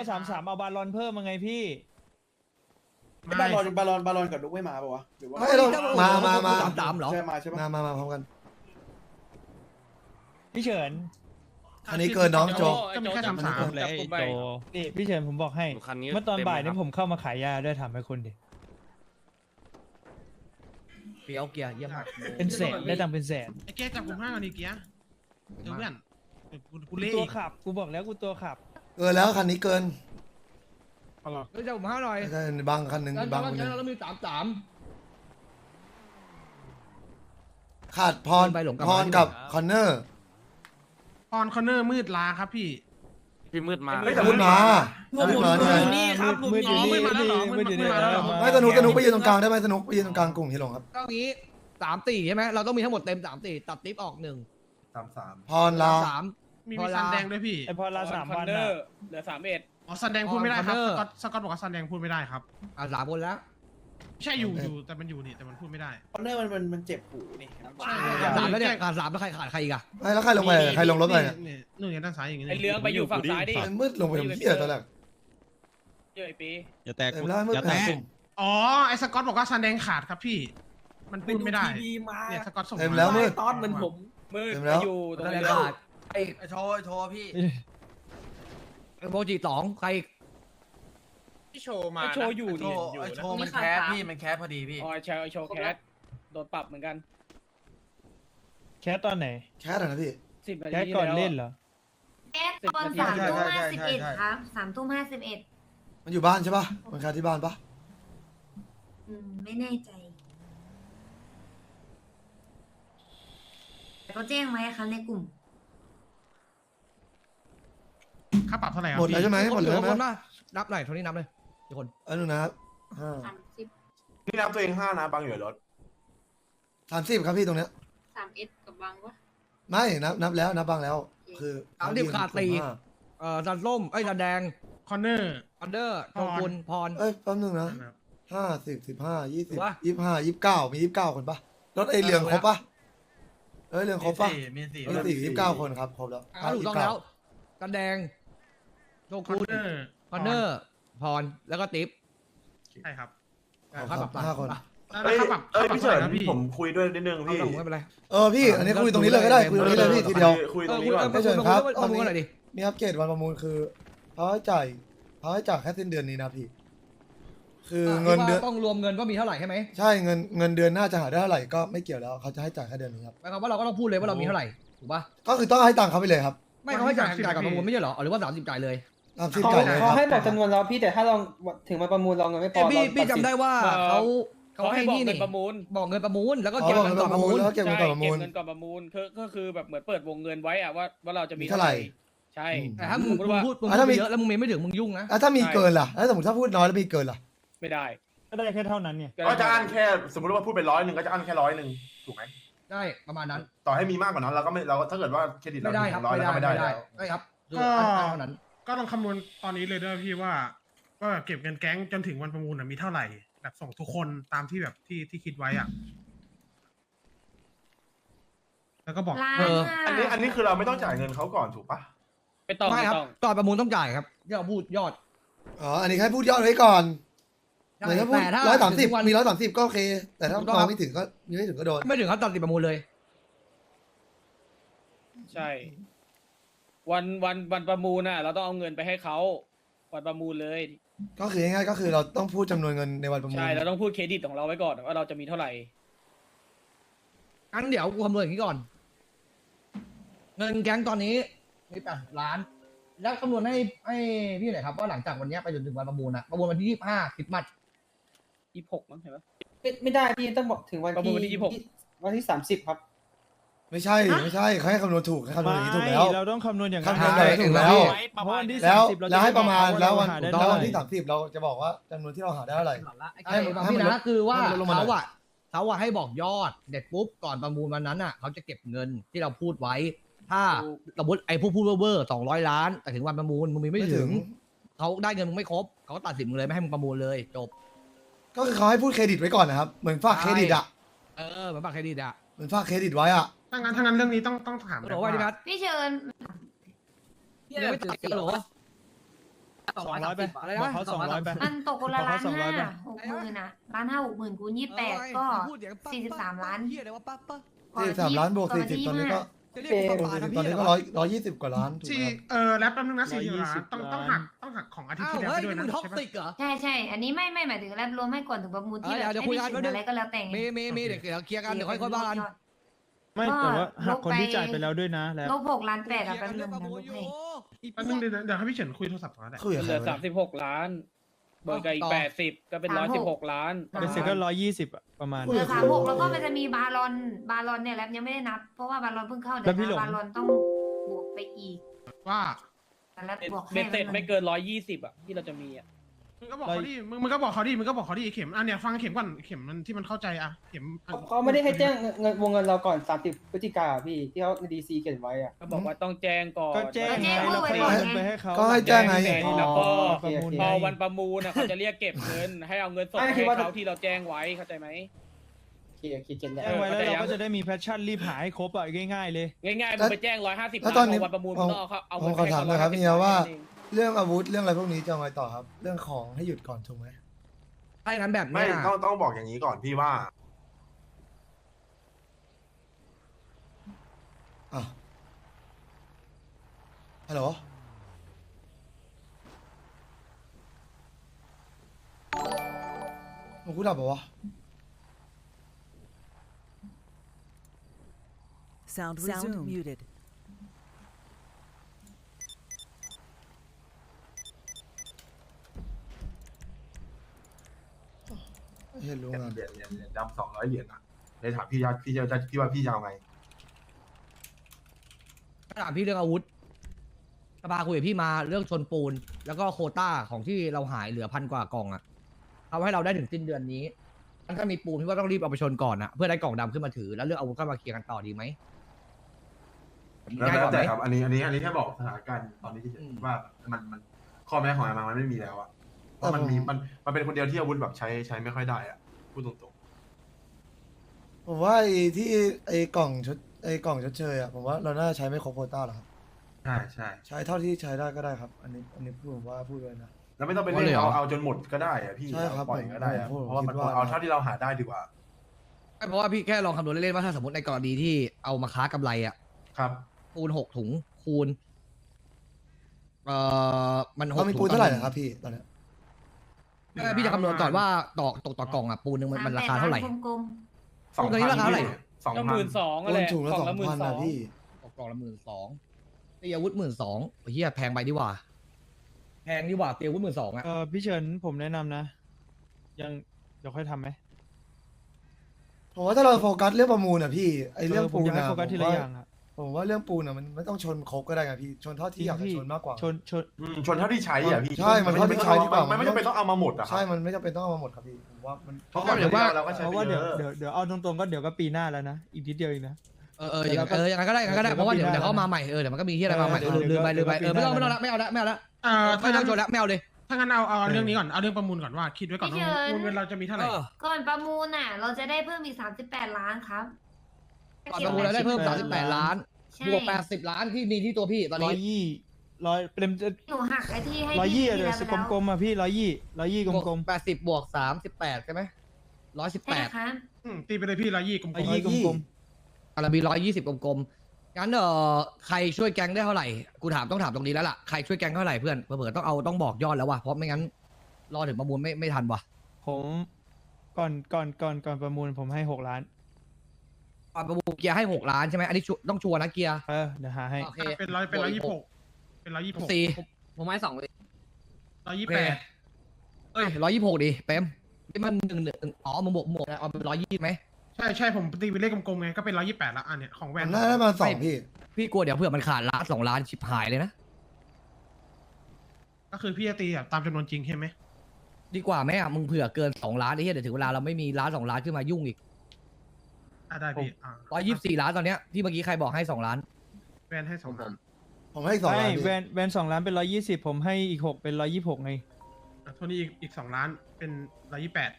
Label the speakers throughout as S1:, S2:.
S1: 33เอาบาลอนเพิ่มมาไงพี่
S2: บาลอนกับนุ๊กไม่มาปะวะหรือว่า
S3: ไม่เรามา
S4: 33เหรอ
S2: ใช่มาใช่ปะ
S3: มาพร้อมกัน
S1: พี่เฉิน
S3: อันนี้เกินน้องโจ
S5: ก็มีแค่33
S6: เลยไอ้โจ
S1: นี่พี่เฉินผมบอกให้
S6: คันนี้
S1: เมื่อตอนบ่ายนี่ผมเข้ามาขายยาด้วยถามให้คุณดิ
S4: เปียวเกียร์เยี่ยมมาก
S1: เป็นแสนได้ตังค์เป็นแสน
S5: ไอ้แกจับผมห้าก่อนดิเกียร์เดี๋ยวเพื่อนกูเละ
S1: ตัว
S5: อีก
S1: ขับกูบอกแล้วกูตัวขับ
S3: เกินแล้วคันนี้เกิน
S4: เฮ้ยจะผมห้าหน่อย
S3: ใช่บางคันหนึ่ง
S4: แล้ว
S3: บางคนหนึ่ง
S4: แล้วมี33
S3: ขาดพร
S4: ไปหลงกลับ
S3: พ
S4: มาร ที่
S3: กับ
S4: ไหน
S3: คอนเนอร์
S5: พรคอนเนอร์มืดลาครับพี่
S6: พี่มืดมา
S3: พูดมาพูดมาใช่
S1: นี่ครับมืดอยู่นี่
S5: มืดมาแล้วเหรอ
S1: มืดอยู่นี่
S5: มืดมาแล้วเหรอ
S3: ไม่สนุกไปยืนตรงกลางได้ไหมสนุกไปยืนตรงกลางกลุ่มที่ลงครับ
S4: ก็งี้34ใช่ไหมเราต้องมีทั้งหมดเต็ม34ตัดติ๊บออก1
S3: พรลา
S4: 3
S5: มีซันแดงด้วยพี่
S1: ไอพอลา3 วัน
S7: เห
S1: อะ
S7: ลือ31
S5: อ๋อซันแดงพูดไม่ได้ครับ
S4: Corner
S5: สกอตบอกว่าซันแดงพูดไม่ได้ครับ
S4: 3คนแล้ว
S5: ใช่อยู่แต่มันอยู่นี่แต่มันพูดไม่ได้
S2: คอนเนอร์มันเจ็บหูนี่
S4: 3แล้วเนี่ยขาด3แล้วใครขาดใครอีกอะ
S3: ไม่แล้วใครลงไปใครลงรถไปเนี่ย
S5: นี่นู่นอย่างด้านซ้ายอย่างนี้
S7: ไอเรืองไปอยู่ฝั่งซ้ายดิ
S3: มืดลงไปทำเหี้ยตอนแรก
S7: เยอะไอปี
S6: อย่าแตก
S3: เต็มแล้วมืด
S6: อย่า
S3: แต
S6: แตก
S3: กลุ่ม
S5: อ๋อไอ้สกอตบอกว่าซันแดงขาดครับพี่ มันพูดไม่ได้เนี่ยสกอตส่ง
S3: เต็มแล้วมืด
S7: ตอนเหมือนผมมืด
S3: เต็ม
S7: ไป
S3: แล้ว
S7: อยู่ตรง
S4: แล้ว
S7: นี้
S4: ขาด
S8: ไอ้โชว์พี่
S4: โมจิ2ใครอีก
S5: ที่โชว์มา
S7: ไอโชว์อยู่
S8: โช
S7: นี่
S8: ว์ไอ้โชว์มันแคสพี่มันแคสพอดีพี่
S7: อ๋อไอโชว์แคสโดนปรับเหมือนกัน
S1: แคสตอนไหน
S3: แคสอะนะพี่
S7: 10 นา
S1: แค
S7: ที
S1: สก่อนเล่นเหรอ
S9: แอปตอน3 ทุ่ม 51ครับ3 ทุ่ม 51
S3: มันอยู่บ้านใช่ปะมันแคสที่บ้านปะ
S9: ไม่แน่ใจแต่เขาแจ้งไว้ครับในกลุ่ม
S5: ค่าปรับเท่าไหร่ครับ
S3: หมดแล้วใช่ไหมหมดเลย
S4: ค
S3: ไหม
S4: นนะนับหน่อยเท่านี้นับเลยทุกคน
S3: อันนึงนะครับ
S9: 30
S2: นี่นับตัวเอง5นะบางอยู่รถ
S3: 30ครับพี่ตรงเนี้ย
S9: 3S กับบางวะ
S3: ไม่นับแล้วนับบางแล้ว คือ
S4: 30ขาดตีซันส้มไอ้ซันแดง
S5: คอนเนอร์
S4: อันเดอร์โชกุนพร
S3: เอ้ยแป๊บนึงนะ50 15 20
S4: วะ
S3: 25 29มี29คนปะรถไอเรืองครบปะเรืองครบปะ
S8: มีสี่
S3: มี29คนครับครบแล้ว
S4: ถูกต้องแล้วซันแดงโช
S5: คอน
S4: กุน
S5: เนอร์
S4: คอนเนอร์พรแล้วก็ติ๊บ
S5: ใช่ครับ
S4: ค่าปรับ
S3: 5คน
S5: แล้วค่าปรับพี่เฉินพี่
S2: ผมคุยด้วยนิดนึงพี่
S4: ไม่เป็นไร
S3: พี่อันนี้คุยตรงนี้เลยก็ได้คุยตรงนี้เลยพี่ทีเดียว
S2: คุยตรงนี้ก่อน
S3: ไม่เชิญครับ
S4: ประมูลอะไรดิ
S3: นี่ครับเกตวันประมูลคือเขาให้จ่ายแค่สิ้นเดือนนี้นะพี่คือเงินเดือน
S4: ต้องรวมเงินว่ามีเท่าไหร่ใช่ไหม
S3: ใช่เงินเดือนน่าจะหาได้เท่าไหร่ก็ไม่เกี่ยวแล้วเขาจะให้จ่ายแค่เดือนนี้ครับ
S4: หมายความว่าเราก็ต้องพูดเลยว่าเรามีเท่าไหร่ถูกป่ะ
S3: ก็คือต้องให้ตังค์เขาไปเลยครับ
S4: ไม่เขาให้จ่ายกับประมูลไม่ใช่เหรอหรือว่า30จ่ายเลย
S3: 30จ่ายเลยค
S7: เขา
S3: รับ
S7: ให้บอกจำนวนเราพี่แต่ถ้าเราถึงมาประมูลเราเงินไม่พอ
S4: พี่จำได้ว่าเขาให้
S7: บอก
S4: นี่
S7: เงิ
S4: นี่
S7: นประมูล
S4: บอกเงินประมูลแล้วก็
S3: เขา
S4: เก็บ
S3: บอก
S4: เงิ
S3: เงิ
S4: น
S3: น
S4: ก่อนประมูล
S3: แล้วเก็บเงินก่อนประมูล
S7: เงินก่อนประมูลก็คือแบบเหมือนเปิดวงเงินไว้อะว่าเราจะมี
S3: มีเท่าไหร่
S7: ใช่
S4: แต่ถ้ามึง
S7: สติว่า
S4: พูด
S3: ถ้ามี
S4: เยอะแล้วมึงไม่ถึงมึงยุ่งนะ
S3: แล้วถ้ามีเกินล่ะแล้วสมมติถ้าพูดน้อยแล้วมีเกินล่ะ
S7: ไม่ได้
S1: ก็ได้แค่เท่านั้นเนี่ย
S2: ก็จะอั้นแค่สมมติว่าพูดไป100ก็จะอั้นแค่100ถูกไหม
S4: ได้ประมาณนั้น
S2: ต่อให้มีมากกว่านั้นเราก็ไม่เราถ้าเกิดว่าเครดิตเรา
S4: ไม่ได้ครับ
S2: 100แล้วก็ไม่ได้แล้ว
S4: ไม่ครับคือ
S5: ก็
S4: เท่านั้น
S5: ก็ลองคำนวณตอนนี้เลยด้วยพี่ว่าเก็บเงินแก๊งจนถึงวันประมูลมีเท่าไหร่แบบส่งทุกคนตามที่แบบที่คิดไว้อ่ะแล้วก็บอก
S9: ล้าน
S2: อันนี้คือเราไม่ต้องจ่ายเงินเขาก่อนถูกปะ
S7: ไม่ต้อง
S4: ไม่
S7: ไม่
S4: ครับ
S7: ต้อง
S4: ก่อนประมูลต้องจ่ายครับที่เราพูดยอด
S3: อ๋ออันนี้แค่พูดยอดไว้ก่อนเหมือนถ้าพูด
S4: แต่ถ้า
S3: 130มี130ก็โอเค แต่ถ้ามาไม่ถึงก็ไม่ถึงก็โดน
S4: ไม่ถึงเขาตัดสินประมูลเลย
S7: ใช่วันประมูลน่ะเราต้องเอาเงินไปให้เขาวันประมูลเลย
S3: ก็คือง่ายๆก็คือเราต้องพูดจำนวนเงินในวันประมูล
S7: ใช่เราต้องพูดเครดิตของเราไว้ก่อนว่าเราจะมีเท่าไหร่
S4: งั้นเดี๋ยวกูคำนวณอย่างนี้ก่อน เงินแก๊งตอนนี้มี8 ล้าน แล้วคำนวณให้พี่หน่อยครับว่าหลังจากวันนี้ไปจนถึงวันประมูลนะประมูลวันที่25คริสต์มาส
S7: 26มั้งเห็นปะ
S8: ไม่ได้พี่ต้องบอกถึงวัน
S7: ประมูลวันที่
S8: ที่
S7: 26
S8: วันที่30ครับ
S3: ไม่ใช่เขาให้คำนวณถูกให้คำนวณอย่างนี้ถูกแล้ว
S1: เราต้องคำนวณอย่าง
S3: คำนวณอย่างนี้ถูกแล้ว
S1: เพราะวันที่
S3: แล้ว
S1: 30เราจะ
S3: แล้วให้ประมาณ
S1: บอก
S3: แล้ว
S1: เร
S3: วัน
S1: หาได้
S3: แล้ว
S1: เท่า
S3: วัน
S1: ไหร่
S3: ที่30เราจะบอกว่าจำนวนที่เราหาได้เท่าไหร่ ให้
S4: ให้พี่นะคือว่า
S3: ให้มันลงมาหน่อย
S4: เขาอะให้บอกยอดเด็ดปุ๊บก่อนประมูลวันนั้นอะเขาจะเก็บเงินที่เราพูดไว้ ถ้าสมมติไอ้ผู้พูดเวอร์200 ล้าน แต่ถึงวันประมูลมึงมีไม่ถึงเขาได้เงินมึงไม่ครบเขาก็ตัดสินมึงเลยไม่ให้มึงประมูลเลยจบ
S3: ก็คือเขาให้พูดเครดิตไว้ก่อนนะครับเหมือนฝากเครดิตอ่ะ
S4: เหมือนบัตรเครดิตอะ
S3: เหมือนฝากเครดิตไว้อ่ะ
S5: ถ้างั้นเรื่องนี้ต้องถาม
S4: โหลว่าดิพัท
S9: พี่เชิญ
S4: ยังไม่ตัดสินเหรอ
S1: 200ไป
S4: อะไร
S1: บอก
S4: นะ
S1: เขา200ไป
S9: มันตกคนละ
S1: บอก
S9: ล้า
S1: เขา
S9: น
S1: 200ไป
S9: ห้า60,000อะ1,500 60,000คูณ28ก็43ล้าน
S4: เฮียอะไรวะปั๊บปั๊บ
S3: 43 ล้านบวก 40 ตอนนี้ก็
S4: จะเรียกว่า
S3: ตอนนี้ก็120 กว่าล้านถูกไหม
S5: ที่
S3: ครับ
S5: แล้วแป๊บนึงนะ40 ล้าน
S1: 120
S5: ต้อง
S1: ล้าน
S5: ต้องหักของอาทิตย์
S4: อ้าว
S5: ที่แล้ว
S4: เฮ้
S5: ไป
S4: ย
S5: ด้วย
S4: นี่
S5: นะ
S4: มึงท็อก
S5: ใช่ปะ
S4: ซิกเหรอ
S9: ใช่ อันนี้ไม่หมายถึงแรปรวมให้ก่อนถึงประมูลที่
S4: เดี๋ยว
S9: แบบ
S4: คุย
S9: ไม่
S4: กัน
S9: ได้
S4: แป๊บนึง
S9: อะไรก็แล้วแต่ไง
S4: มีเดี๋ยวเคลียร์กันเดี๋ยวค่อยบ้าน
S1: ไม่แต่ว่าหักคนที่จ่ายไปแล้วด้วยนะแล้ว
S9: ลบ6 ล้าน 8อะแป๊บนึงนะลบให้
S5: แป๊บนึงเดี๋ยวให้พี่เฉินคุยโทรศัพท์ก่อนก็ได้
S3: คุยกับ
S7: เห
S3: ใคร
S7: ลือ
S3: วะ
S7: 36 ล้านเบิกกับอีก80ก็เป็น116 ล้าน
S1: เป็นเซ็นก็120อะประมาณ
S9: เหลือ36แล้วก็มันจะมีบาลอนเนี่ยแรปยังไม่ได้นับ เพราะว่าบาลอนเพิ่งเข้า
S1: แล้
S9: เดี๋ยว
S1: วพี่หลง
S9: บาลอนต้องบวกไปอีก
S5: ว่า
S9: แรปบวกให้
S7: เบ็ดเสร็จไม่เกิน120อะที่เราจะมีอะ
S5: มึงก็บอกเขาดิมึงก็บอกเขาดิมึงก็บอกเขาดิเข็มอ่ะเนี่ยฟังเข็มก่อนเข็มมันที่มันเข้าใจอ่ะเข็ม
S8: เขาไม่ได้ให้แจ้งเงินวงเงินเราก่อน30 พฤศจิกาพี่ที่เขาในดีซีเขียนไว้อะ
S7: ก็บอกว่าต้องแจ้งก่อน
S1: ก็แจ้งไง
S9: ก็
S1: เรา
S9: แจ้
S1: เค
S9: ง
S1: ย
S9: ไว้
S1: เงินไปให้เขา
S3: ก็ให้แจ้งไง
S7: แล้วก็
S1: ประมูล
S7: พอวันประมูลนะเขาจะเรียกเก็บเงิน ให้เอาเงินสดให้เขาที่เราแจ้งไว้เข้าใจไหม
S8: เขียนแล้ว
S1: แจ้งไว้แล้วเราก็จะได้มีแพชชั่นรีบหาให้ครบอะง่ายๆเลย
S7: ง่ายๆมึงไปแจ้ง150
S3: แล้ว
S7: ล้าน
S3: ตอนนี้
S7: พอวันประมูลมึงต้องเอา
S3: ผม
S7: เงิน
S3: ขอ
S7: ให้
S3: ถาม
S7: เขา
S3: หน่อยครับ
S7: 150
S3: เฮียว่า
S7: เอง
S3: เรื่องอาวุธเรื่องอะไรพวกนี้จะเอาไงต่อครับ เรื่องของให้หยุดก่อนถูกไหม
S4: ถ้าอย่างนั้นแบบ
S6: ไม่
S4: เนี้ย
S6: ต้องบอกอย่างนี้ก่อนพี่ว่า
S3: อ่ะฮัลโหลมึงกูดับเหรอวะ
S10: Sound muted.
S3: เห็นรู้งาน
S6: เหรียญดำ200 เหรียญอ่ะเลยถามพี่ว่าพี่จะเอาไง
S4: ถามพี่เรื่องอาวุธสภาคุยกับพี่มาเรื่องชนปูน แล้วก็โควต้าของที่เราหายเหลือ1,000 กว่ากล่องอะเอาให้เราได้ถึงสิ้นเดือนนี้ถ้ามีปูนพี่ว่าต้องรีบเอาไปชนก่อนอะเพื่อได้กล่องดำขึ้นมาถือแล้วเรื่องอาวุธก็มาเคลียร์กันต่อดีไหม
S6: แล้ว
S4: ง่ายกว่าไห
S6: แต่
S4: ม
S6: ครับอันนี้แค่บอกสถานการณ์ตอนนี้ที่เห็น
S4: อืม
S6: ว่ามันข้อแม้ของมันไม่มีแล้วอ่ะเพราะมันเป็นคนเดียวที่อาวุธแบบใช้ไม่ค่อยได้อ่ะพูดตรง
S3: ผมว่าไอ้ที่ไอ้กล่องชดเชยอ่ะผมว่าเราน่าจะใช้ไม่ครบโควต้าหรอกครับ
S6: ๆใช่ใช่
S3: ใช้เท่าที่ใช้ได้ก็ได้ครับ อันนี้ผมว่าพูดเลยนะ
S6: แล้วไม่ต้องไป
S4: อ๋อ
S6: เล่
S4: เลยเหรอ
S6: เอาจนหมดก็ได้อ่ะพี่
S3: ใช่ครับ
S6: ปล่อยก็ได้อะ
S3: ผม
S6: เพราะว่ามัน
S3: คิดว่า
S6: เอาเท่าที่เราหาได้ดีกว่า
S4: เพราะว่าพี่แค่ลองคำนวณเล่นๆว่าถ้าสมมติในกรณีที่เอามาค้ากำไรอะ
S6: ครับ
S4: ปูน6 ถุงคูณมัน6
S3: เขามีปูนเท่าไหร่นะครับพี่ตอนเนี้ย
S4: พี่จะคำนวณก่อนว่าตกต่อกล่องอะปูนหนึงมันราคาเท่าไหร่
S9: กลม
S4: ตรงนี้ราคาเท่าไหร่
S7: ก็
S6: 2,000
S7: 12,000
S3: ปู
S7: อะไร
S3: นถุงละ
S7: กล่องละ
S3: 2,000นะพี่
S4: ตกกล่องละ12,000ตีอาวุธ12,000เฮียแพงไปดีกว่าแพงดีกว่าตีอาวุธ12,000อะ
S1: พี่เฉินผมแนะนำนะ ยังเดี๋ยวค่อยทำไหม
S3: ผมว่าถ้าเราโฟกัสเรื่องประมูลอ่ะพี่ไอ้เรื่อง
S1: ผม
S3: ปูน
S1: อยากให้
S3: อ่ะ
S1: โฟกัสทีละอย่างอะ
S3: ผมว่าเรื่องปูนอ่ะมันไม่ต้องชนครบก็ได้ไงพี่ชนเท่าที่อยากจะชนมากกว่า
S1: ชน
S6: ชนเท่าที่ใช้อ่ะพี่
S3: ใช่มันเท่าที่ใช้ดีกว่า
S6: มันไม่จำเป็นต้องเอามาหมดอ่ะ
S3: ใช่มันไม่จำเป็นต้องเอามาหมดครับพี่ผมว่ามัน
S6: เพราะก่อนเดี๋ยวเราก็ใช้
S1: เพ
S6: ไป
S1: ราะว่า
S6: เย
S1: เดี๋ยว
S6: อะ
S1: เดี๋ยวเอาตรงๆก็เดี๋ยวก็ปีหน้าแล้วนะ อีกนิดเดียวเองนะ
S4: อย่างนั้นก็ได้อย่างนั้นก็ได้เพราะว่าเดี๋ยวเขามาใหม่เดี๋ยวมันก็มีที่อะไรมาใหม่ลืมไปไม่เอาละไม่เอาละไม่เอาละไม่ต้องชนละไม่เอาเลย
S5: ถ้างั้นเอาเรื่องนี้ก่อนเอาเรื่องประมูลก่อนว่าคิดไว้ก่อนว่าวงเงินเราจะมีเท่าไหร่
S9: ๆก่อนประมูลน่ะ เราจะได้เพิ่มอีก38 ล้านครับ
S4: ก่อนประมูลเราได้เพิ่ม38 ล้าน
S9: ใช่
S4: บวก80 ล้านที่มีที่ตัวพี่ตอน
S1: ร้อ
S4: นี้
S1: ยยี่ร้อยเป็น
S9: หนูหักไอ้ที่ให้
S1: ร้อย
S9: พี่
S1: ยี่
S9: ที
S1: เดี๋ยว
S9: ละไปแล้ว
S1: กลมๆอ่ะพี่ร้อยยี่กลม
S4: 80บวก38ใช่ไหม
S9: ใช่
S4: 118
S9: ครับ
S5: ตีไปเลยพี่120กลม
S1: ร้อยยี่กลม
S4: อะไรมี120กลมๆงั้นใครช่วยแก๊งได้เท่าไหร่กูต้องถามตรงนี้แล้วล่ะใครช่วยแก๊งเท่าไหร่เพื่อนเผื่อต้องบอกยอดแล้วว่ะเพราะไม่งั้นรอถึงประมูลไม่ทันว่ะ
S1: ๆผมก่อนประมูลผมให้6 ล้าน
S4: ก่อนประมูลเกียร์ให้6 ล้านใช่ไหมอันนี้ต้องชัวร์นะเกียร์
S1: เดี๋ยวหาให้
S4: โอเค
S5: เป็น126เป็น126
S4: สี่
S2: ผมให้2เลย
S5: 128
S4: เอ้ย126ดิเป๊มนี่มัน1มึงบวกนะเอาเป็น120ไหม
S5: ใช่ผมตีเป็นเลขกลมๆไงก็เป็น128ละอันเนี้ยของแว
S3: มัน นน่าได้มา2พี่
S4: พี่กลัวเดี๋ยวเผื่อมันขาดล้าน2 ล้านชิบหายเลยนะ
S5: ก็คือพี่จะตีแบบตามจำนวนจริงใช่ไหม
S4: ดีกว่าไหมอ่ะมึงเผื่อเกิน2 ล้านไอ้เหี้ยเดี๋ยวถึงเวลาเราไม่มีล้าน2 ล้านขึ้นมายุ่งอีก
S5: ได้พี่
S4: 124 ล้านตอนเนี้ยที่เมื่อกี้ใครบอกให้2 ล้าน
S5: แวนให้2ล้าน
S3: ผมให้2ล้าน
S1: ไม่
S3: พี่
S1: แวน2 ล้านเป็น120ผมให้อีก6เป็น126ไง
S5: โทนี่อีก2ล้านเป็น128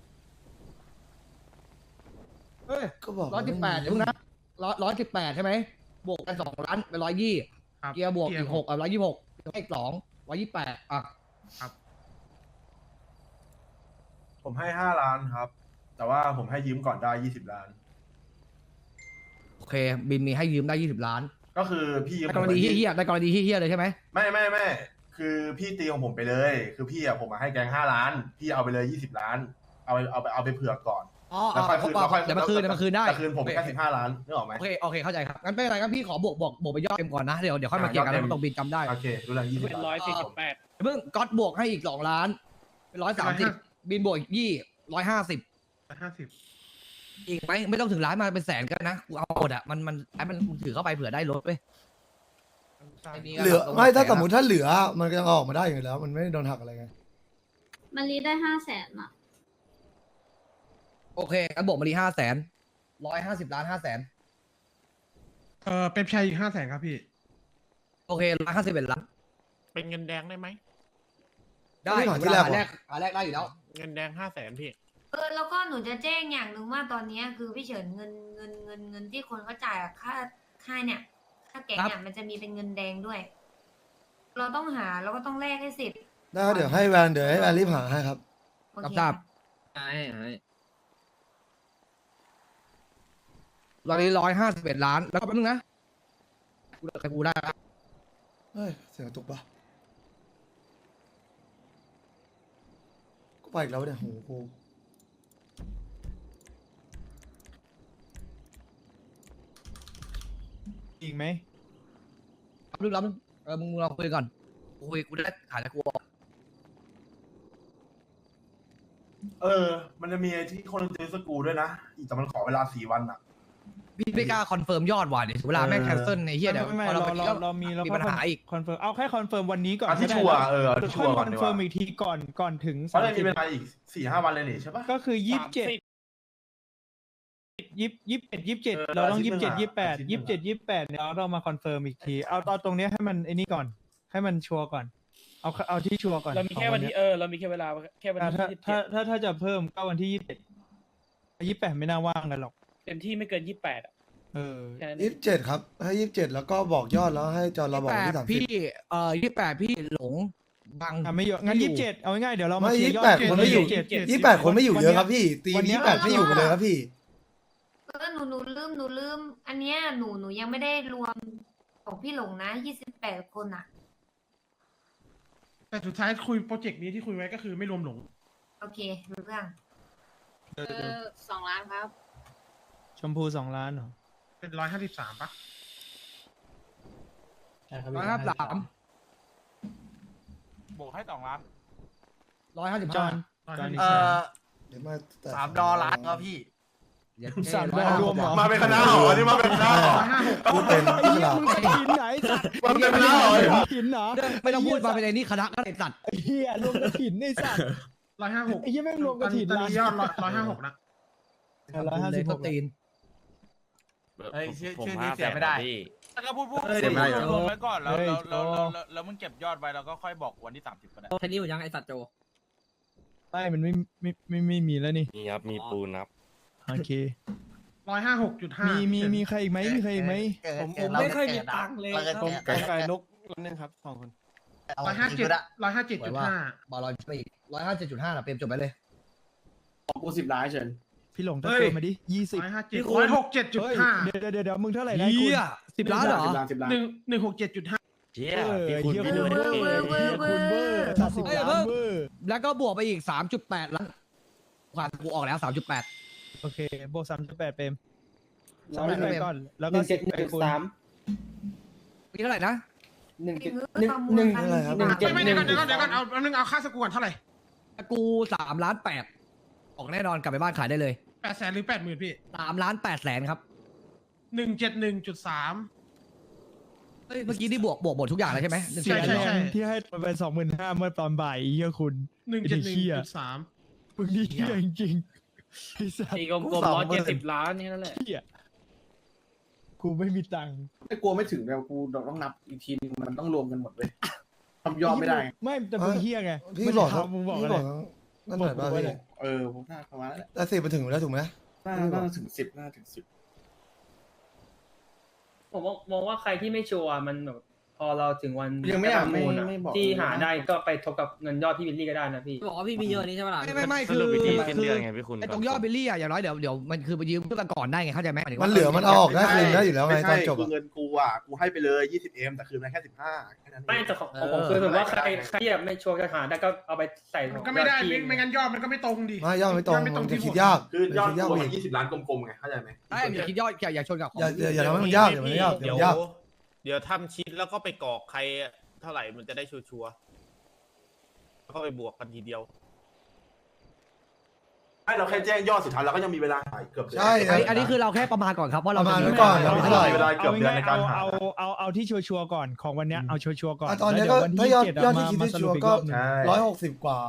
S4: เฮ้ย
S3: ก็บอก
S4: 118เดี๋ยวนะ118ใช่ไหมบวกกัน2 ล้านเป็น120
S5: ครับ
S4: เกียร์บวกอีก6 126ให้อีก2 128อ่ะ
S6: ผมให้5 ล้านครับ แต่ว่าผมให้ยืมก่อนได้20 ล้าน
S4: โอเค บินมีให้ยืมได้20 ล้าน
S6: ก็คือพี่ยืม
S4: ในกรณีเฮี้ยๆในกรณีเฮี้ยๆเลยใช่ไหม
S6: ไม่คือพี่ตีของผมไปเลย คือพี่อะผมมาให้แกง5 ล้าน พี่เอาไปเลย20 ล้าน เอาไปเผื่อก่อน
S4: อ๋อ
S6: แล้วค่อยคืนแล้วค่อย
S4: เดี๋ยวมาคืนได้
S6: แต่คืนผมแค่15 ล้านนึกออกไหม
S4: โอเคเข้าใจครับงั้นไม่เป็นไรงั้นพี่ขอบวกไปยอดเต็มก่อนนะเดี๋ยวค่อยมาเคลียร์กันแล้วตรงบินจำได้
S6: โอเครู้แล้ว20
S7: เป็น
S6: ล้าน
S7: 148
S4: เพิ่งก๊อตบวกให้อีก2 ล้านเป็น130บินบวกอีก150
S5: 50
S4: อีกไหมไม่ต้องถึงล้านมาเป็นแสนกันนะกูเอาหมดอ่ะมันถือเข้าไปเผื่อได้รถเว้ยไอ้นี่ก็
S3: เหลือ
S4: ลง
S3: ไม่ถ้า
S4: แสน
S3: สมมติถ้าเหลือมันก็ยังออกมาได้อยู่แล้ว มันไม่ได้โดนหักอะไรไง
S9: มันรีได้500,000อ่ะ
S4: โอเคงั้นบวกมาดี500,000 150 ล้าน500,000
S5: เป๊ปชัยอีก500,000ครับพี่
S4: โอเค151 ล้าน
S11: เป็นเงินแดงได้ไหม
S4: ได้
S3: ไม่หาที่แรก
S4: หา
S3: เหรอ
S4: แรกได้อยู่แล้ว
S11: เงินแดง500,000พี่
S9: แล้วก็หนูจะแจ้งอย่างหนึ่งว่าตอนนี้คือพี่เฉินเงินที่คนเขาจ่ายอะค่าเนี่ยค่าแก๊งเนี่ยมันจะมีเป็นเงินแดงด้วย เราต้องหาแล้วก็ต้องแลกให้เสร็จ
S3: ได้ครับเดี๋ยวให้แวนรีบหาให้ครับ
S9: โอเค
S4: ทราบ ตอนนี้151 ล้านแล้วก็แป๊บนึงนะกูได้ละ
S3: เฮ้ย เสียงกระตุกปะกูไปอีกแล้วเนี่ยโหกู
S1: อีกไหม
S4: รับนึงมึงลองคุยก่อนกูได้ขายแล้วกูออก
S6: มันจะมีไอ้ที่คนเจอสกูด้วยนะอีกแต่มันขอเวลา4 วันอ่ะ
S4: พี่ไม่กล้าคอนเฟิร์มยอดว่ะเดี๋ยวเวลาแม่งแคนเซิลในเฮียเดี๋ยว
S1: ไม่
S4: พอเราไป
S1: เรามี
S4: มีปัญหาอีก
S1: คอนเฟิร์มเอาแค่คอนเฟิร์มวันนี้ก่อน
S6: เอาที่
S1: ก็ได้
S6: ชัวร์
S1: แล้ว
S6: เอาที่ชัวร์ก่อน
S1: คอน
S6: ดีก
S1: เฟิร์
S6: ว่าม
S1: อีกทีก่อนถึง
S6: เพราะเลยมี
S1: 30
S6: เวลาอีก4-5 วันเลยนี่ใช่ปะ
S1: ก็คือ27เราต้อง
S6: อาทิตย์หนึ่ง
S1: 27
S6: อะอาทิตย์หนึ่ง
S1: 28เนี่ยเรามาคอนเฟิร์มอีกทีเอาตอนตรงเนี้ยให้มันไอ้นี่ก่อน ให้มันชัวร์ก่อน เอาที่ชัวร์ก่อน
S7: เรามีแค่วันที่
S1: ของ
S7: เรามีแค่เวลาแค่วัน
S1: อ่า
S7: ที่
S1: ถ้าจะเพิ่มก็วันที่28ไม่น่าว่างกันหรอก
S7: 27เต็มที่ไม่เกิน28อ่ะ แค่นั้นเอง
S3: 27ครับให้27แล้วก็บอกยอดแล้วให้จอเราบอกวันที่30
S4: พี่28พี่หลงบัง
S1: ไม่เยอะงั้น27เอาง่ายๆเดี๋ยวเรามา
S3: ไม่
S1: เคลียร์ยอด
S3: 28คนไม่อยู่ 28คนไม่อยู่เยอะครับพี่ตี
S1: วันเนี้ย
S3: 28ไม่อยู่กันเลยครับพี่
S9: หนูลืมอันเนี้ยหนูยังไม่ได้รวมของพี่หลงนะ28 คนอ่ะ
S5: แต่สุดท้ายคุยโปรเจกต์นี้ที่คุยไว้ก็คือไม่รวมหลง
S9: โอเครู้เรื่อง
S12: 2 ล้านครับ
S1: ชมพู2 ล้านเหรอ
S5: เป็น153ปะ
S4: 153
S11: บวกให้2 ล้าน
S1: จอน
S4: 155
S3: เดี๋ยวมาแต่
S11: $3 ครับพี่
S1: 3 รวมเหรอ
S6: มาเป็นคณะหรอนี่มาเป็นคณะหรอ
S3: พูดเป็นที่หลับ
S1: มึงกระถินไหนสัตว์
S6: มันเป็นคณะหรอก
S1: ระถินเหรอ
S4: ไม่ต้องพูดมาเป็นไอ้นี่คณะก็ได้สัตว์
S1: ไอ้เหี้ยรวมกระถินไอ้สัตว์
S5: 156
S1: ไอ้เหี้ยแม่งรวมกระถิน
S5: ตอนนี้ยอด156นะ
S4: เลยต้นตีน
S11: เฮ้ยชื่อนี้เสียไม่ได้แล้วก็พูดรวมไว้ก่อนแล้วมึงเก็บยอดไว้แล้วก็ค่อยบอกวันที่30ก็ได้
S4: แค่นี้อยู่ยังไอสัตว์โจ
S1: ไม่มันไม่มีแล้วนี่
S11: นี่ครับมีปูนครับ
S1: โอเค
S5: 156.5
S1: มีใครอีกไหมมีใครอีกไหม
S11: ผมไม่เคยมีตังค์เลยครับ
S1: ไก่นกนึงครับ2 คน
S5: 157.5
S4: บอลลอนไปอีก157.5นะเปรมจบไปเลย
S2: ของกู10 ล้านเชิญ
S1: พี่หลงตะโกนมาดิ20
S5: 167.5
S1: เดี๋ยวมึงเท่าไหร่ได้คุณ
S4: เหี้ย10 ล้านเหรอ
S2: 10 ล้าน
S5: 167.5
S11: เชี่ย
S1: พี่คุณเวอร์คุณเวอร์ตัด10 ล้านเวอร์
S4: แล้วก็บวกไปอีก 3.8 ล้านขวานกูออกแล้ว 3.8
S1: โอเคบวก3.8เปรม3.8ก่อนแล้วก็10ไปคูณ
S8: 171.3
S4: มีเท่าไหร่นะ
S5: ไม่เดี๋ยวก่อนเอาค่าสกูก่อนเท่าไหร่
S4: กู3.8 ล้านออกแน่นอนกลับไปบ้านขายได้เลย
S5: 800,000หรือ80,000พี่
S4: 3.8 ล้านครับ
S5: 171.3
S4: เฮ้ยเมื่อกี้ที่บวกหมดทุกอย่างเลยใช่ไหม
S1: เสียแรงที่ให้ไป25,000เมื่อตอนบ่ายเฮียคุณ
S5: 171.3
S1: มึงนี่เฮียจริงๆไอ้สัส
S7: ตีกลมๆ170 ล้านแค่นั้นแหละ
S1: เฮียกูไม่มีตังค์
S2: ไม่กลัวไม่ถึงแล้วกูต้องนับอีกทีนึงมันต้องรวมกันหมดเลยทำยอดไม่ได้
S1: ไม่แต่มึงเฮียไง
S3: พี่บอก
S1: มึงบอก
S3: พี่
S1: อะไร
S3: บอกนั่นหน่อยป่ะพี่
S2: ผมน่าประมาณนั้นแหละ
S3: แต่10ไปถึงแล้วถูกไหม
S2: น่าถึง10
S12: ผมมองว่าใครที่ไม่ชัวร์มันแบบ
S8: พอเราถึงวัน
S2: ยังไม่อยากไม่บอก
S8: ที่หาได้ก็ไปทบกับเงินยอดพี่วิลลี่ก็ได้นะพี่
S12: บอกว่าพี่มีเยอะนี้ใช่ไหมล่ะ
S4: ไม่คือไอ้ตรงยอดบิลลี่อะอย่างน้อยเดี๋ยวมันคือไปยืมเพื่อนก่อนได้ไงเข้าใจไหมายถึง
S3: มัน
S4: ว่า
S3: เหลือมันเอาออกได้คืนได้อยู่แล้วไง
S6: ไม่
S3: ตอ
S6: ใช่
S3: นจบ
S6: คือเงินกูอ่ะกูให้ไปเลย 20M แต่คืนมาแค่15แค่นั้นเอง
S8: ไม่แต่ของผมคือแบบว่าใครที่แบบไม่ชัวร์จะหาได้ก็เอาไปใส่
S5: มันก็ไม่ได้ไม่งั้นยอดมันก็ไม่ตรงดิ
S3: ไม่ยอดไม่ตรง
S5: ไม่ตรง
S3: มันจะ
S5: ที่
S3: คิดยาก
S6: คือยอด
S3: คิดยาก
S6: รวม
S3: อีก
S6: 20 ล้านกลมๆไงเข้าใจไหม
S4: ใช่อย่าคิดยอดอย่าชนกับของ
S3: อย่าทำให้มันยากอย่ามันยากอย่ามันยาก
S11: เดี๋ยวทำชิดแล้วก็ไปกรอกใครเท่าไหร่มันจะได้ชัวร์ๆแล้วก็ไปบวกกันทีเดียว
S6: ไม่เราแค่แจ้งยอดสุดท้ายเราก็ยังมีเวลาหายเกือบเดือน
S3: ใช่
S4: อันนี้คือเราแค่ประมาณก่อนครับว่าเรา
S3: ประมาณ
S4: จะ
S3: ไว้ก่อน
S4: เรา
S3: เรา
S4: ไม่
S3: เท่าไหร่
S6: มีเวลาเกือบเดือนในการหา
S1: เอาที่ชัวร์ๆก่อนของวันเนี้ยเอาชัวร์ๆก่อน
S3: ตอนนี้
S1: แล้ว
S3: ก็
S1: เดี๋ยววัน
S3: ถ้ายอด
S1: ที่
S3: ยอดที่คิด
S1: 7มา
S3: ที่
S1: ส
S3: ชั
S1: รุ
S3: ว
S1: ป
S3: ร์
S1: อีก
S3: ก็
S1: รอบหนึ่ง
S6: ใช่
S3: 160 กว่า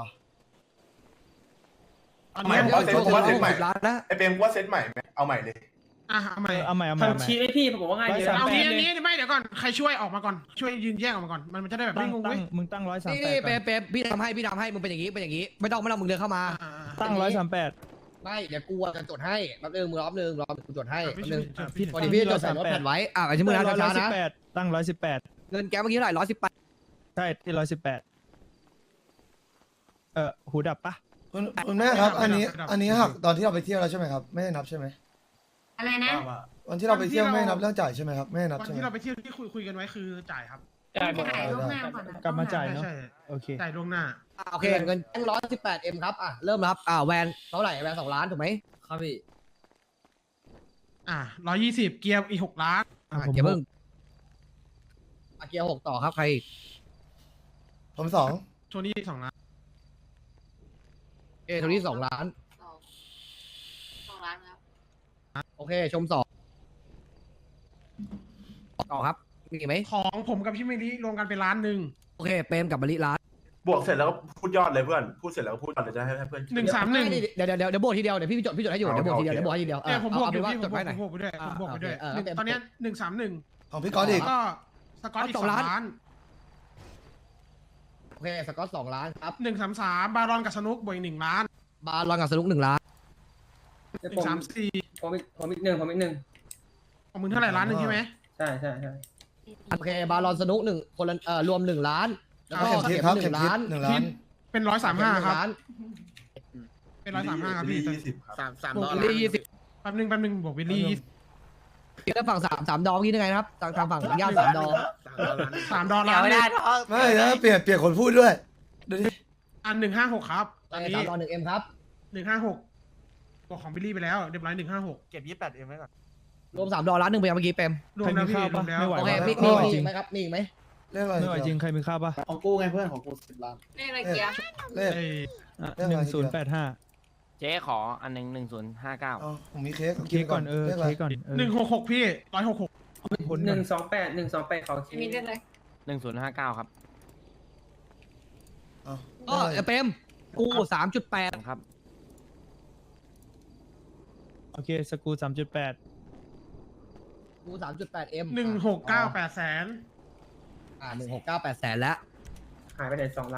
S5: อัน
S6: ไม่
S5: นี้
S6: ผมว่าเซ็ตผมว่าเซ็ตใหม่
S4: ล้านนะ
S6: ไอเปรมว่าเซ็ตใหม่ไหมเอาใหม่เลย
S5: เอาใหม่
S1: เอาใหม่
S8: ทำชีทให้พี่ผมว่าง่ายดี
S5: เอา
S8: นะ
S5: งี้ไม่เดี๋ยวก่อนใครช่วยออกมาก่อนช่วยยืนแยกออกมาก่อนมันจะได้แบบ
S1: ตั้
S5: ไม่
S1: ง
S5: งง
S1: ตั้
S5: เว้
S1: ง
S5: ย
S1: มึงตั้ง138
S4: นี่เป๊ะพี่ทำให้มึงเป็นอย่างนี้ไม่ต้องมึงเดินเข้ามา
S1: ตั้ง138
S4: ไม่เดี๋ยวกูจะจดให้แป๊บนึงมึงรอบนึงกูจดให้แป๊บนึง
S1: พี่
S4: วันนี้พี่จดใส่รถแผ่นไว้ไอ้ชิ้นมือนะช้าๆนะ
S1: ตั้ง118
S4: เงินแกเมื่อกี้เท่าไหร่118
S1: ใช่ที่118หูดับปะ
S3: คุณแม่ครับ อันนี้หักตอนที่เราไปเที่ยวแล้วใช่ไหมครับไม่ได้นับใช่ไหม
S9: อะไรนะ
S3: วันที่เราไปเที่ยวไม่ได้นับเรื่องจ่ายใช่ไหมครับไม่ได้นับ
S5: วัน
S3: ใช่ไหม
S5: ที่เราไปเที่ยวที่คุยกันไว้คือจ่ายครับ
S8: จ่ายหมด
S9: จ่ายล่วงหน้าก่อนนะ
S1: กลับมาจ่ายเนาะ
S5: ใช่
S1: โอเค
S5: จ่ายล่วงหน้า
S4: โอเคเงิน118M ครับเริ่มครับแวนเท่าไหร่แวน2 ล้านถูกไหมครับพี่
S5: 120เกียร์อีก6 ล้าน
S4: เดี๋ยวเพิ่งเกียร์6ต่อครับใคร
S3: ผม2
S5: โทนี่2 ล้าน
S4: โทนี่2 ล้าน
S12: 2 ล้านครับ
S4: โอเคชม2ต่อครับมีไหม
S5: ของผมกับพี่เมลีรวมกันเป็น1 ล้าน
S4: โอเคเปรมกับบริล้าน
S6: บวกเสร็จแล้วก็พูดยอดเลยเพื่อนพูดเสร็จแล้วก็พูดยอดเลยจะให้เพื่อน
S5: 131
S4: เดี๋ยวโบทีเดียวเดี๋ยวพี่จดให้อยู่เดี๋ยวโบทีเดียวเดี๋ยวโบให้ทีเดียว
S5: เนี่ยผมบวก
S4: เอา
S5: อ
S4: เป็
S5: ยู่
S4: นว่า
S5: พี่
S4: จดไว้หน่อย
S5: ผมบวกไปด้วยผมบวกไปด้วย
S4: โอเค
S5: ตอนเนี้ย131
S3: ของพี่ก๊อตอีก
S5: ก็สกอตอีก
S4: 2
S5: 2
S4: ล้าน
S5: ล้าน
S4: โอเคสกอต2 ล้านครับ
S5: 133บารอนกับสนุกบวกอีก1 ล้าน
S4: บาลอนกับสนุก1 ล้าน
S5: 134
S8: ผมอีกหนึ่ง
S5: ของมึงเท่าไหร่1 ล้านใช่ไหม
S8: ใช่
S4: โอเคบาลอนสนุก1คนละรวม1 ล้านแล้วก็
S3: เข็มทิศครับ
S4: 1
S3: เข็มทิศ
S4: ล้าน
S3: 1 ล้าน
S5: เป็น135ครับ
S4: ล้าน
S5: เป็น135ครับพี่
S6: 20ครับ
S4: บวกวิลลี่20
S5: แป๊บนึงบวกวิลลี่
S4: แล้วฝั่ง3 ดอกนี่ยังไงนะครับทางฝั่งญาติ3 ดอก
S5: $3ล้าน
S3: ไม่แล้วเปลี่ยนคนพูดด้วยดูดิ
S5: อัน156ครับตอนนี้
S4: 3 ดอก1M ครับ
S5: 156บวกของบิลลี่ไปแล้วเรียบร้อย156
S11: เก็บ 28M ไว้ก่อน
S4: รวม3 ดอกล้าน1ไปเมื่อกี้เปรม
S5: รวมแล้วพี่รวมแล้ว
S1: ไม่ไหว
S4: โอเค
S1: วะ
S4: มี
S1: ไม่ไหวจริง
S4: ไหมครับมีอีกไหม
S3: เลขอะไร
S1: ไม่ไหวจริงใครมีข้าวปะ
S2: ของกูไงเพื่อนของกู10 ล้าน
S12: เลขอะไรเกียร์
S3: เลข
S5: เอ้ย
S1: 1085
S11: เจ๊ขออันหนึ่ง1059
S3: อ๋อผมมีเค้ก
S1: เค้กก่อน
S3: เลขอะไร
S1: เค้กก่อน
S5: 166พี่166
S1: ผล
S8: 128เขา
S12: มีเลขอะไร
S11: 1059 ครับ
S3: อ๋อ
S4: ก็เปรมกู 3.8
S11: ครับ
S1: โอเคสกู3.8
S4: กู 3.8M
S5: 169 800,000
S4: 169 800,000แล้ว
S8: หายไปไหน2 ล้าน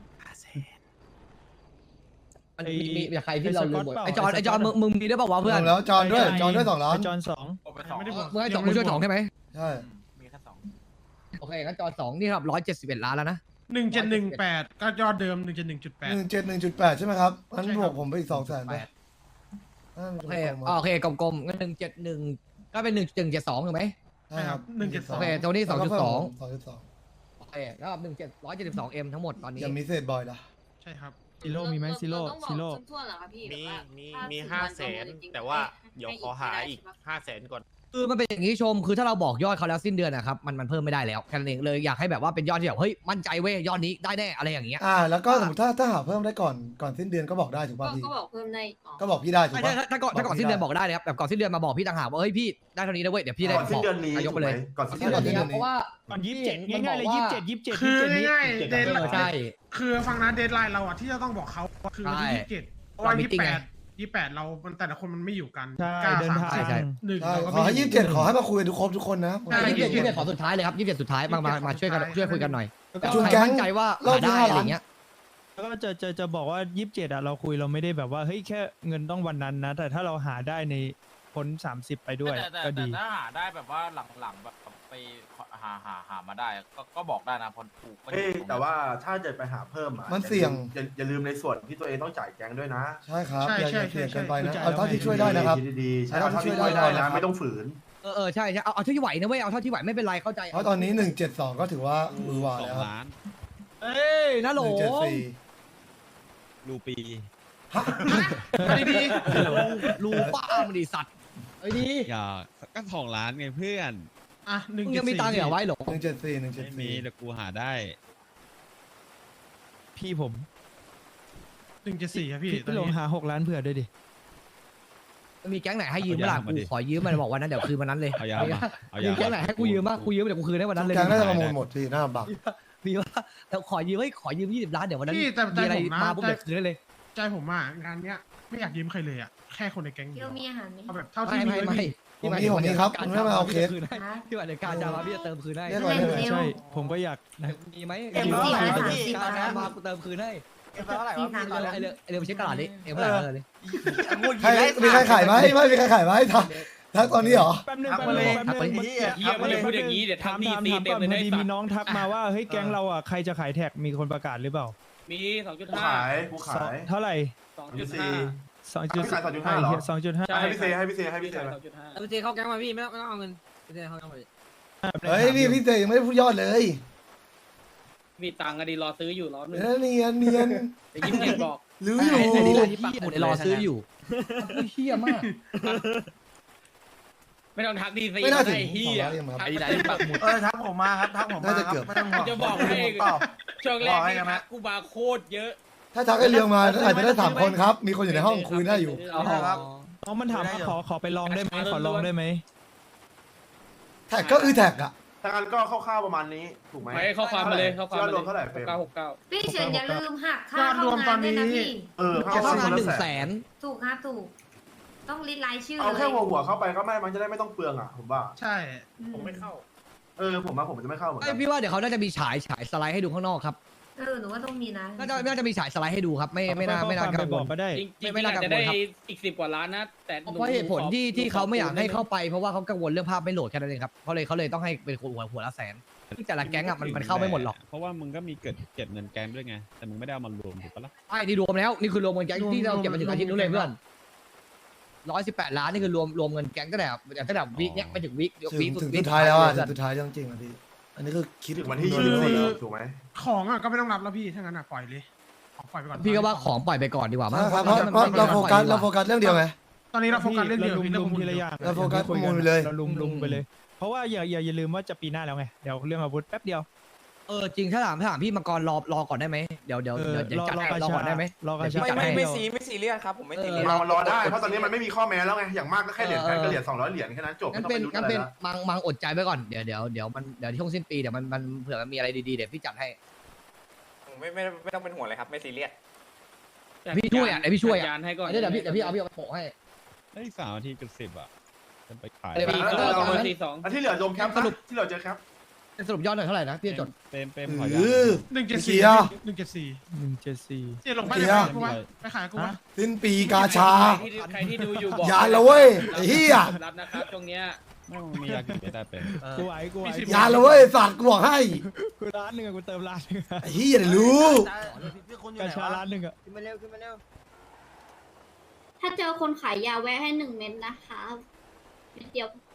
S4: มันมีใครที่เราลืมหมดไอจอนมึงมีด้วยเปล่าวะเพื่อน
S3: แล้วจอนด้วย2 ล้าน
S1: จอน
S5: ไม่ได้บวก
S4: มึงให้จอนมึงช่วยจองใช่ไหม
S3: ใช่
S11: มีแค่2
S4: โอเคงั้นจอน2นี่ครับ171 ล้านแล้วนะ
S5: 1718ก็ยอดเดิม 171.8
S3: 171.8ใช่ไหมครับงั้น
S5: ใช่ครับ
S3: บวกผมไปอีก200,000ไป
S4: โอเคโอเคกลมๆงั้น171ก็เป็น172ถูกไหม
S3: ใช่ครับ
S5: 172
S4: โอเคตัวนี้ 2.2
S3: 2.2
S4: โอเคแล้ว172M ทั้งหมดตอนนี้
S3: ยังมีเศษบอยล่ะ
S5: ใช่ครับ
S1: ซิโร่มีไหมซิโร่
S12: ต้องบอก
S1: ซิโร่
S12: ทั่วๆเหรอคะพี่
S11: มี
S12: แบบว่า
S11: มี
S12: ถ้า
S11: 500,000แต่ว่าเดี๋ยวขอหาอีก 500,000 ก่อน
S4: คือมันเป็นอย่างนี้ชมคือถ้าเราบอกยอดเขาแล้วสิ้นเดือนนะครับมันเพิ่มไม่ได้แล้วแค่นั้นเองเลยอยากให้แบบว่าเป็นยอดที่แบบเฮ้ยมั่นใจเว้ยยอดนี้ได้แน่อะไรอย่างเงี้ย
S3: แล้วก็สมมติถ้าหาเพิ่มได้ก่อนสิ้นเดือนก็บอกได้ถูกป่ะพี่
S12: ก็บอกเพิ่มได้อ๋อ
S3: ก็บอกพี่ได้ถูก
S4: ไม่
S3: ป่ะ
S4: ใช่ถ้าก่อนสิ้นเดือนบอกได้เลยครับแบบก่อนสิ้นเดือนมาบอกพี่ต่างหากว่าเฮ้ยพี่ได้เท่านี้นะเว้ยเดี๋ยวพี่ได้
S6: ก่อนสิ้นเดือนนี้
S4: ยกไปเลย
S6: ก่อนสิ้น
S4: ก่อน
S6: เดื
S4: สิ้
S6: อน น
S4: เดือน
S6: นี้
S4: เพราะว่า
S1: ก่อน27ง่ายๆเลย27
S5: คือ
S1: นี้
S5: ง่ายๆเดทไลน์
S4: ใช่
S5: คือฟังนะเดทไลน์เราอ่ะที่จะต้องบอกเขาคือวันที่27เพราะว่า28เรามันแต่ละคนมันไม่อยู่กัน
S1: ใช่
S5: 9
S1: เดินทาง
S5: 3
S4: ใช่
S5: 1เรา
S3: ขอให้27ขอให้มาคุยกันทุกคนนะ
S5: ใช่
S4: 27ขอสุดท้ายเลยครับ27สุดท้ายมาช่วยกันช่วยคุยกันหน่อย
S3: จุน
S4: ใคร
S3: แก๊ง
S4: มั่นใจว่า
S3: รอบ
S4: หา
S3: ที่
S4: ได้
S3: 5
S4: อะไร
S3: ล้าน
S4: เงี้ย
S1: แล้วก็จะบอกว่า27เราคุยเราไม่ได้แบบว่าเฮ้ยแค่เงินต้องวันนั้นนะแต่ถ้าเราหาได้ในพ้น30ไปด้วย
S11: แต่
S1: ก็ดี
S11: ถ้าหาได้แบบว่าหลังๆแบบไปหามาได้ก็บอกได้นะพอถูกก็อยู่
S6: เอ้ย
S11: ตรงนั้น
S6: แต่ว่าถ้าจะไปหาเพิ่มอ่ะ
S3: มันเสี่ยง
S6: อย่าลืมในส่วนที่ตัวเองต้องจ่ายแก๊งด้วยนะ
S3: ใช่ครับ
S5: ใช่
S3: อย่า
S5: ใช่
S3: เสี่ยง
S5: ใช่
S3: เกินไปนะ
S1: ใช่
S3: เอาเท่าที่ช่วยได้นะครับ
S6: คิดดีๆใช่
S3: เอา
S6: เอา
S3: เท่า
S6: เท่า
S3: ที่
S6: ที่
S3: ช่
S6: ช่
S3: ว
S6: วย ย
S3: ได้
S6: ได้
S3: นะ
S6: นะไม่ต้องฝืน
S4: ใช่เอาเท่าที่ไหวนะเว้ยเอาเท่าที่ไหวไม่เป็นไรเข้าใจ
S3: เพราะตอนนี้172ก็ถือว่ามือหวานแล้วครับ
S4: เอ้ยนะโหล
S3: 174
S13: รูปี
S5: มาดี
S4: รูป้ามันดิสัตว์ไอ้ดี
S13: อย่าก็2 ล้านไงเพื่อน
S5: ๆอ่ะ1.4
S4: มึงยังมีตังค์เหรอไว้หรอ
S3: 174
S13: ไม่มีแต่กูหาได้
S1: พี่ผม
S5: 1.4ครับพี่
S1: พี่ลงหา6 ล้านเผื่อด้วยดิ
S4: มีแก๊งไหนให้ยืมเมื่อไหร่กูขอยืมมันบอกวันนั้นเดี๋ยวคืนวันนั้นเลย
S13: เอายามาเอา
S4: มี
S13: ยา
S4: แก๊งไหนให้กูยืมบ้างกูยืมเดี๋ยวกูคืนให้วันนั้นเลย
S3: แกงน่าจะประมูลหมดพี่หน้าบัก
S4: มีว่าแต่ขอยืมขอยืม20 ล้านเดี๋ยววันนั้น
S5: พี่แต่
S4: มีอะไร
S5: ผมนะ
S4: มาปุ๊บเดี๋ยวคืนได้เลย
S5: ใจผมอ่ะงานเนี้ยไม่อยากยืมใครเลยอ่ะแค่คนในแก๊ง
S9: เที่
S5: เดี
S9: ย
S5: ยว ว
S9: มีอาหารไหม
S5: เอาแบบเท่าที่มี
S4: ไม่
S3: ผมมีครับคุณไม่มาเอาเคส
S4: ที่ว่าเดี๋ยวการจะมาพี่จะเติมคืนให้
S3: เรียกอะไรเรียกอะไร
S1: ใช่ ผมก็อยากนะ
S4: มีไหม
S9: เต็มที่ละ30
S4: การมากูเติมคืนให้
S11: เอ็มเท่าไหร่วะพี่ตอนนี้
S4: ไอ้เรื่องไปเช็คตลาดดิเอ็มเท่าไหร่เลย
S3: ใครมีใครขายไหมไม่มีใครขายไหมทักตอนนี้เหรอ
S1: แป๊บนึง
S11: ทักมาเลย
S1: แป๊บนึง
S7: เฮียมันเลยพูดอย่างนี้เดี๋ยว
S1: ถาม
S7: ทำดี
S1: ถาม
S7: ซี
S1: ถาม
S7: เต็
S1: ก่
S7: ม
S1: อน
S7: เลย
S1: พอ
S7: ได้
S1: ดี
S7: สั
S1: มี
S7: ตว์
S1: น้องทักมาว่าเฮ้ยแก๊งเราอ่ะใครจะขายแท็กมีคนประกาศหรือเปล่า
S7: มี
S6: กู
S7: 2.5
S6: ขายกูขาย
S1: เท่าไหร่
S7: 2.5
S6: พี่ขาย2.5เหรอ
S1: 2.5
S7: ใช่
S6: ให้พี่เซให้พี่เซให้พี่เซ
S7: 2.5
S12: พี่เจเข้าแก๊งมาพี่ไม่ต้องเอาเงินพี่เจเข้าแก๊งมา
S3: เฮ้ยพี่เตยยังไม่ได้พูดยอดเลย
S7: มีตังค์อะดีรอซื้ออยู่รอบนึง
S3: เนียนเนียน
S7: แต่ยิ้มเห็นบอก
S3: รู้อยู่
S4: ไอ้นี่แหละที่ปักหมุดรอซื้ออยู่เฮี้ยมาก
S7: ไม่ต้องทักดีซี
S3: ไม่น่าถึง
S7: ไอ้เฮีย
S3: 200ยังครับ
S7: ไอ้ไหนปักหมุด
S11: ทักผมมาครับทักผมมา
S3: น่าจะเกือบ
S11: ไม่ต้องห่วง
S7: จะบอกให้
S11: ผมตอบ
S7: ช่วงแร
S11: บ
S7: ก
S11: อกให้
S7: นี่
S11: กันนะ
S7: ทักกูบาร์โคตรเยอะ
S3: ถ้าทักไอ้เรื่องมาอาจจะได้3 คนครับ มีคนอยู่ในห้องคุยได้อยู่
S7: อ๋อ
S11: ครับ
S1: น้องมันถามว่าขอไปลองได้ไหมขอลองได้ไหม
S3: แท็กก็คือแท็กอะ
S6: ถ้างั้นก็คร่าวๆประมาณนี้ถูกไหม
S7: ไม่เข้าความมาเลยเข้าความ
S6: ยอ
S7: มา
S6: ด
S7: เล
S6: รวมเท่าไหร่เฟรม
S7: 969
S9: พี่เฉินอย่าลืมหักค่าเข้างานด้วยนะพี่
S3: จะ
S6: เข้า
S3: เข้างาน
S6: คนละ
S4: 100,000
S9: ถูกครับถูก ต้องลิสต์รายชื่อ
S6: เอา
S9: เล
S6: แค่
S9: ย
S6: หัวเข้าไปก็มันจะได้ไม่ต้องเปลืองอ่ะผมว่า
S5: ใช่
S6: ผมไม่เข้าผมจะไม่เข้าเหมือน
S4: ไอ
S6: กัน
S4: พี่ว่าเดี๋ยวเขาน่าจะมีฉายสไลด์ให้ดูข้างนอกครับ
S9: หนูว่าต้องมีนะ
S4: น่าจะมีฉายสไลด์ให้ดูครับไม่น่า
S1: ไป
S4: กัง
S1: บ
S4: ว
S1: อก
S4: ล
S1: ก็ได้
S7: จริงๆ
S4: ไม่น่ากังวล
S7: อาจจะได้
S4: ครับ
S7: อีก10 กว่าล้านนะ แต่
S4: เพราะเหตุผลที่เขาไม่อยากให้เข้าไปเพราะว่าเขากังวลเรื่องภาพไม่โหลดแค่นั้นเองครับเขาเลยต้องให้เป็นหัวละแสนที่แต่ละแก๊งอ่ะมันเข้าไม่หมดหรอก
S13: เพราะว่ามึงก็มีเก็บเงินแก๊งด้วยไง แต่มึงไม่ได้เอามารวมถูกปะล่ะ
S4: ไอ้นี่รวมแล้วนี่คือรวมเงินแก๊งที่เราเก็บมาถึงอาทิตย์นู้นเลยเพื่อน118 ล้านนี่คือรวมเงินแก๊งตั้งแต่วิกเนี้ยไปถึงวิก
S3: ถึงสุดท้ายแล้วอะถึงสุดท้ายจริงๆอะพี่อันนี้คือคิด
S6: ถึงวันที่ 24ถูกไหม
S5: ของอ่ะก็ไม่ต้องรับแล้วพี่ถ้างั้นอ่ะปล่อยเลยของปล่อยไปก่อน
S4: พี่ก็ว่าของปล่อยไปก่อนดีกว่ามั้ง
S3: ครับเพราะเราโฟกัสเรื่องเดียวไง
S5: ตอนนี้เราโฟกัสเรื่องเดียว
S1: ลุ
S5: พี่เรื่อง
S1: ม
S5: ประมูล
S1: ทีละอย่าง
S3: เราโฟกัสประมูลไปเลย
S1: เราลุมไปเลย เพราะว่าอย่าลืมว่าจะปีหน้าแล้วไงเดี๋ยวเรื่องอาวุธแป๊บเดียว
S4: จริงถ้าถามพี่มังกรรอก่อนได้ไหมเดี๋ยวจัดให้รอก่อนได้ไหม
S1: รอกระชา
S11: ไม่ซีเรียสครับผมไม่ซีเรียส
S6: รอได้เพราะตอนนี้มันไม่มีข้อแม้แล้วไงอย่างมากก็แค่เหรียญแพงก็เหรียญ200 เหรียญแค่นั้นจบไม่
S4: งั้น
S6: ต้อง
S4: เป็
S6: ไป
S4: น
S6: ลุ้น
S4: งั้
S6: อะ
S4: น
S6: ไร
S4: เป็น
S6: ละ
S4: มังอดใจไว้ก่อนเดี๋ยวช่วงสิ้นปีเดี๋ยวมันเผื่อมันมีอะไรดีๆเดี๋ยวพี่จัดให้
S11: ไม่ต้องเป็นห่วงเลยครับไม่ซีเรียส
S4: พี่ช่วยอ่ะเดี๋ยวพี่ช่วยอ่ะ
S7: ยานให้ก่อน
S4: เดี๋ยวพี่เอาไปโปะให้
S13: ไอ้3 นาทีจุด 10อ่ะจะไปขาย
S4: เดี๋ยวพี่
S6: เอา
S7: 4 2
S6: อันที่เหลือรวมแคปสรุปที่เหลือเจอแคป
S4: สรุปยอดหน่อยเท่าไหร่นะพี่จด
S13: เต็ม
S3: ห
S13: ขอยา
S3: รือ
S5: 1.4 1.4
S1: 174
S5: เจ๊ลงไปขายกูวะไปขายกูวะ
S3: สิ้นปีกาชา
S7: ใครที่ดูอยู่บอก
S3: อย่าละเว้ยไอ้เหี้ย
S7: รับนะครับตรงเนี้ย
S13: ไม่มึงมียากินไม่ได้เป็น
S1: กูไหว
S3: อย่าละเว้ยฝากกูบอกให้
S1: กูล้านหนึ่งอะกูเติมล้านหนึ่งอะ
S3: ไอ้เหี้ยเดี๋ยวรู้
S1: กระชาล้านหนึ่งอะ
S12: ขึ้นมาเร็วขึ้นมาเร็ว
S9: ถ้าเจอคนขายยาแวะให้1 เม็ดนะคะเม็ดเดียวพอ